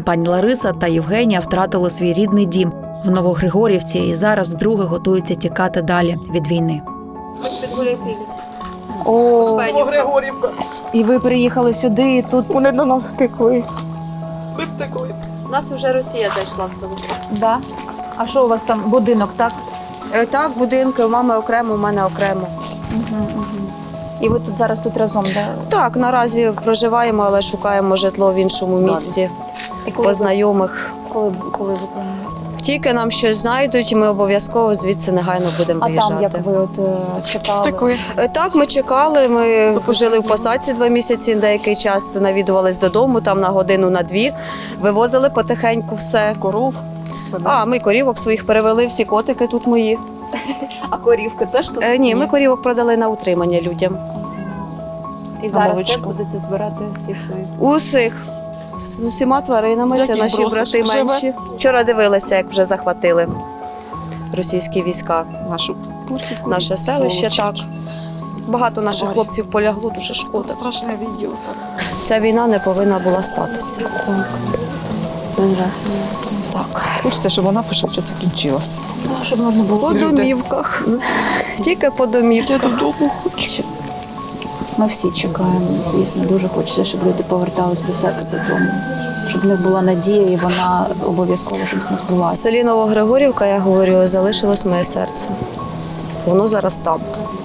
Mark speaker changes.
Speaker 1: Пані Лариса та Євгенія втратили свій рідний дім в Новогригорівці і зараз вдруге готуються тікати далі від війни.
Speaker 2: Новогригорівка.
Speaker 3: І ви приїхали сюди, і тут...
Speaker 2: Вони до нас втекли. Ми втекли.
Speaker 4: У нас вже Росія зайшла в село.
Speaker 3: Да? А що у вас там, будинок, так?
Speaker 4: Так, будинки, у мами окремо, у мене окремо.
Speaker 3: І ви тут зараз тут разом, да?
Speaker 4: Так, наразі проживаємо, але шукаємо житло в іншому місті,
Speaker 3: І
Speaker 4: по знайомих.
Speaker 3: коли ви плануєте?
Speaker 4: Тільки нам щось знайдуть, і ми обов'язково звідси негайно будемо
Speaker 3: А
Speaker 4: виїжджати.
Speaker 3: там, як ви от чекали?
Speaker 2: Втекли.
Speaker 4: Так, ми чекали, ми жили в посадці 2 місяці, деякий час навідувались додому, там на годину, на 2, вивозили потихеньку все.
Speaker 2: Коров.
Speaker 4: Ми корівок своїх перевели, всі котики тут мої.
Speaker 3: А корівки теж тут?
Speaker 4: Ні, ми корівок продали на утримання людям.
Speaker 3: І зараз
Speaker 2: молочко.
Speaker 3: теж будете збирати всіх своїх?
Speaker 4: Усіх. З усіма тваринами, це
Speaker 2: Яких
Speaker 4: наші
Speaker 2: бросиш?
Speaker 4: брати
Speaker 2: Живе?
Speaker 4: менші. Вчора дивилися, як вже захватили російські війська.
Speaker 2: Нашу путівку.
Speaker 4: Наше селище,
Speaker 2: Сволочі.
Speaker 4: так. Багато наших
Speaker 2: Тварі.
Speaker 4: хлопців полягло, дуже
Speaker 2: От
Speaker 4: шкода.
Speaker 2: страшне відео.
Speaker 4: Ця війна не повинна була статися.
Speaker 3: Це жах.
Speaker 4: Так.
Speaker 2: Хочеться, щоб вона пошвидше закінчилася.
Speaker 3: Щоб можна було...
Speaker 4: По
Speaker 2: люди.
Speaker 4: домівках. Тільки по
Speaker 2: Я
Speaker 4: домівках.
Speaker 2: додому хочу.
Speaker 3: Ми всі чекаємо, дійсно, дуже хочеться, щоб люди повертались до себе додому. Щоб в них була надія, і вона обов'язково, щоб в них
Speaker 4: В
Speaker 3: збулася.
Speaker 4: селі Новогригорівка, я говорю, залишилось моє серце. Воно зараз там.